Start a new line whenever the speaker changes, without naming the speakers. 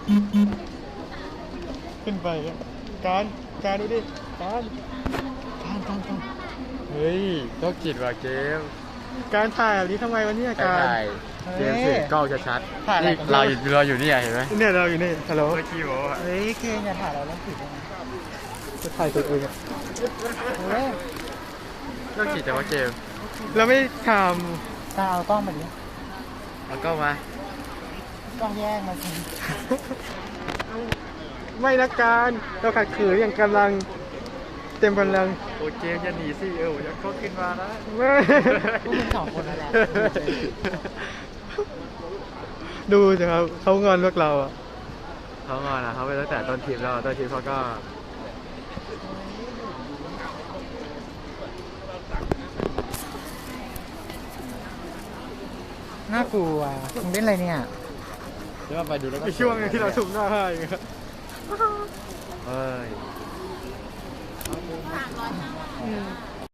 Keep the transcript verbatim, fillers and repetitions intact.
ขึ้นไปการการดูดิการการการการเฮ้ยโรคจิตว่ะเกมการถ่ายแบบนี้ทำไมวะเนี่ยการ
เตรียมถือกล้องชัด
ถ่ายอะไร
นี่
กัน
เราอยู่เราอยู่นี่เห็นไหม
เนี่ยเราอยู่นี่ฮัลโหล
เมื่อกี้บอกว่า
เฮ้ยเกมอย่าถ่ายเราแล้วผิดจะถ่ายตัวเองอะเฮ้ย
โรคจิตแต่ว่าเกม
เราไม่ท
ตาเอากล้องมาดิ
เอากล้องมา
กล้องแยกมาสิ
ำไม่นะการเราขัดขืนอย่างกำลังเต็มกำลัง
โอ้เกมจะหนีสิเออจะเขาขึ้นมานะ
ไม่
พวกมึงสองคนนั่นแหละ
ดูสิครับเขางอนพวกเราอ่ะ
เขางอนนะเขาไปตั้งแต่ต้นทีมแล้วต้นทีมเขาก็
น่ากลัวมึงเล่นอะไรเนี่ย
เดี๋ยวไปดูแล้วก็
ในช่วงที่เราสุ่มหน้าให้ครับ
เฮ้ย
อืม